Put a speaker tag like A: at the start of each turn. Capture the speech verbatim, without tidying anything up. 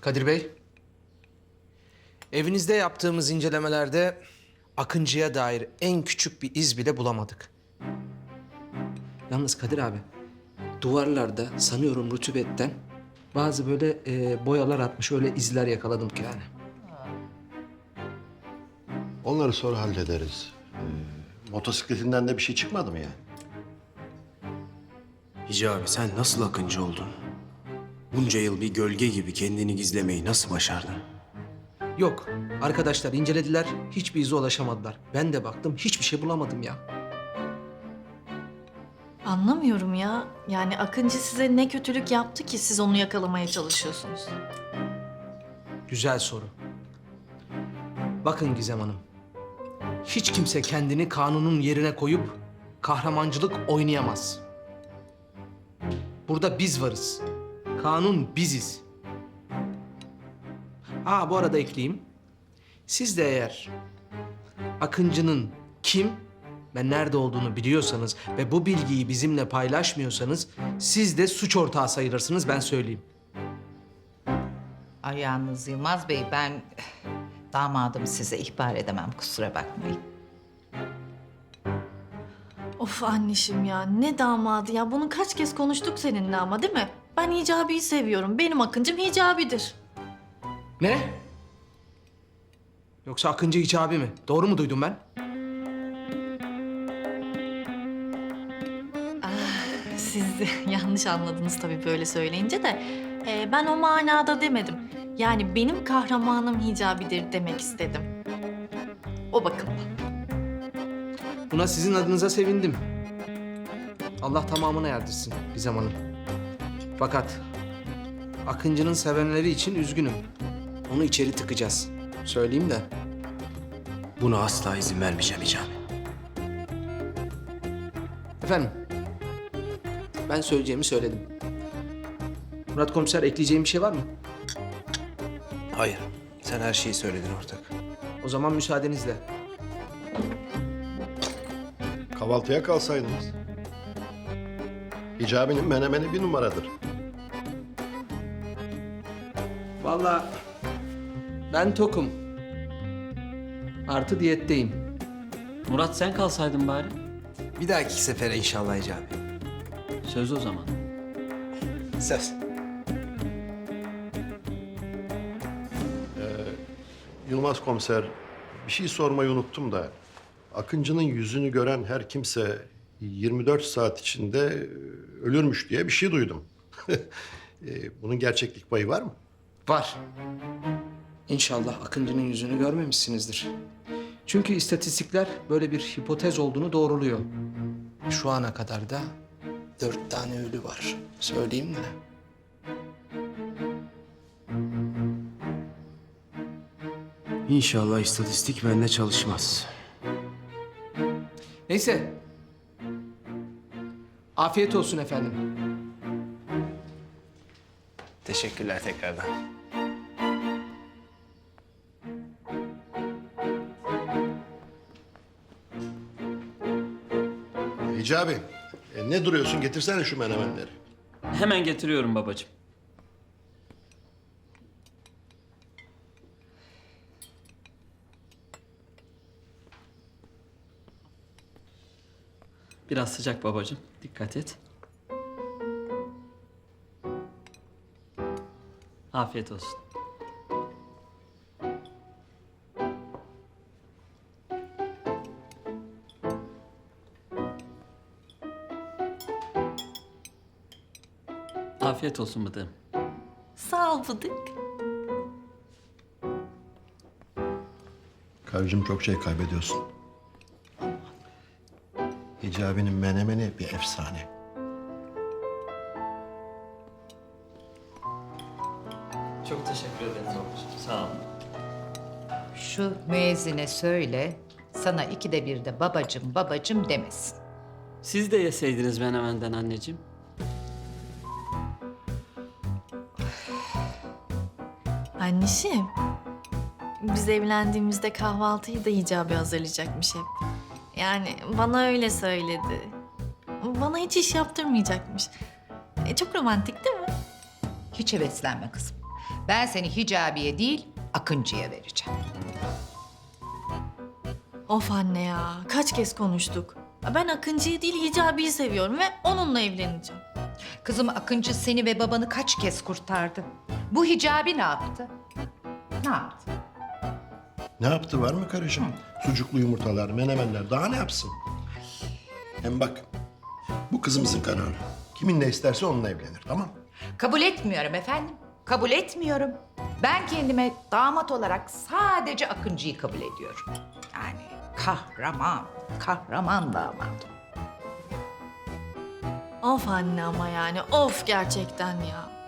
A: Kadir Bey, evinizde yaptığımız incelemelerde Akıncı'ya dair en küçük bir iz bile bulamadık. Yalnız Kadir abi, duvarlarda sanıyorum rutubetten bazı böyle e, boyalar atmış, öyle izler yakaladım ki yani.
B: Onları sonra hallederiz. Ee, motosikletinden de bir şey çıkmadı mı yani?
C: Hicabi sen nasıl Akıncı oldun? Bunca yıl bir gölge gibi kendini gizlemeyi nasıl başardın?
A: Yok, arkadaşlar incelediler, hiçbir ize ulaşamadılar. Ben de baktım, hiçbir şey bulamadım ya.
D: Anlamıyorum ya. Yani Akıncı size ne kötülük yaptı ki siz onu yakalamaya çalışıyorsunuz?
A: Güzel soru. Bakın Gizem Hanım, hiç kimse kendini kanunun yerine koyup kahramancılık oynayamaz. Burada biz varız. Kanun biziz. Ha bu arada ekleyeyim. Siz de eğer Akıncı'nın kim ve nerede olduğunu biliyorsanız ve bu bilgiyi bizimle paylaşmıyorsanız siz de suç ortağı sayılırsınız, ben söyleyeyim.
E: Ay yalnız Yılmaz Bey, ben damadımı size ihbar edemem, kusura bakmayın.
D: Of anneciğim ya, ne damadı ya. Bunu kaç kez konuştuk seninle ama, değil mi? Ben Hicabi'yi seviyorum. Benim Akıncım Hicabi'dir.
A: Ne? Yoksa Akıncı Hicabi mi? Doğru mu duydum ben?
D: Siz yanlış anladınız tabii böyle söyleyince de. Ee, ben o manada demedim. Yani benim kahramanım Hicabi'dir demek istedim. O bakımdan.
A: Buna sizin adınıza sevindim. Allah tamamına erdirsin Gizem Hanım. Fakat Akıncı'nın sevenleri için üzgünüm. Onu içeri tıkacağız. Söyleyeyim de.
C: Buna asla izin vermeyeceğim Hicabi.
A: Efendim, ben söyleyeceğimi söyledim. Murat Komiser, ekleyeceğim bir şey var mı?
C: Hayır, sen her şeyi söyledin ortak.
A: O zaman müsaadenizle.
B: Kahvaltıya kalsaydınız. Hicabi'nin menemeni bir numaradır.
A: Vallahi ben tokum. Artı diyetteyim.
F: Murat sen kalsaydın bari.
C: Bir dahaki sefere inşallah Hicabi.
F: Söz o zaman.
C: Söz.
B: Yılmaz komiser, bir şey sormayı unuttum da. Akıncı'nın yüzünü gören her kimse yirmi dört saat içinde e, ölürmüş diye bir şey duydum. E, Bunun gerçeklik payı var mı?
A: Var. İnşallah Akıncı'nın yüzünü görmemişsinizdir. Çünkü istatistikler böyle bir hipotez olduğunu doğruluyor. Şu ana kadar da dört tane ölü var. Söyleyeyim de.
C: İnşallah istatistik bende çalışmaz.
A: Neyse. Afiyet olsun efendim.
C: Teşekkürler tekrardan.
B: Hicabi, e, ne duruyorsun? Getirsene şu menemenleri.
F: Hemen getiriyorum babacığım. Biraz sıcak babacığım. Dikkat et. Afiyet olsun. Afiyet olsun Bıdığım.
D: Sağ ol Bıdık.
B: Karıcığım, çok şey kaybediyorsun. Hicabi'nin menemeni bir efsane.
F: Çok teşekkür ederim babacığım. Sağ olun.
E: Şu müezzine söyle, sana ikide bir de babacım babacım demesin.
F: Siz de yeseydiniz menemenden anneciğim.
D: Anneciğim, biz evlendiğimizde kahvaltıyı da Hicabi hazırlayacakmış hep. Yani bana öyle söyledi. Bana hiç iş yaptırmayacakmış. E, çok romantik değil mi?
E: Hiç heveslenme kızım. Ben seni Hicabi'ye değil, Akıncı'ya vereceğim.
D: Of anne ya, kaç kez konuştuk. Ben Akıncı'yı değil Hicabi'yi seviyorum ve onunla evleneceğim.
E: Kızım Akıncı seni ve babanı kaç kez kurtardı. Bu Hicabi ne yaptı? Ne yaptı?
B: Ne yaptı var mı karıcığım? Sucuklu yumurtalar, menemenler daha ne yapsın? Hem bak bu kızımızın kararı. Kiminle isterse onunla evlenir tamam mı?
E: Kabul etmiyorum efendim. Kabul etmiyorum. Ben kendime damat olarak sadece Akıncı'yı kabul ediyorum. Yani kahraman, kahraman damat.
D: Of anne ama yani, of gerçekten ya.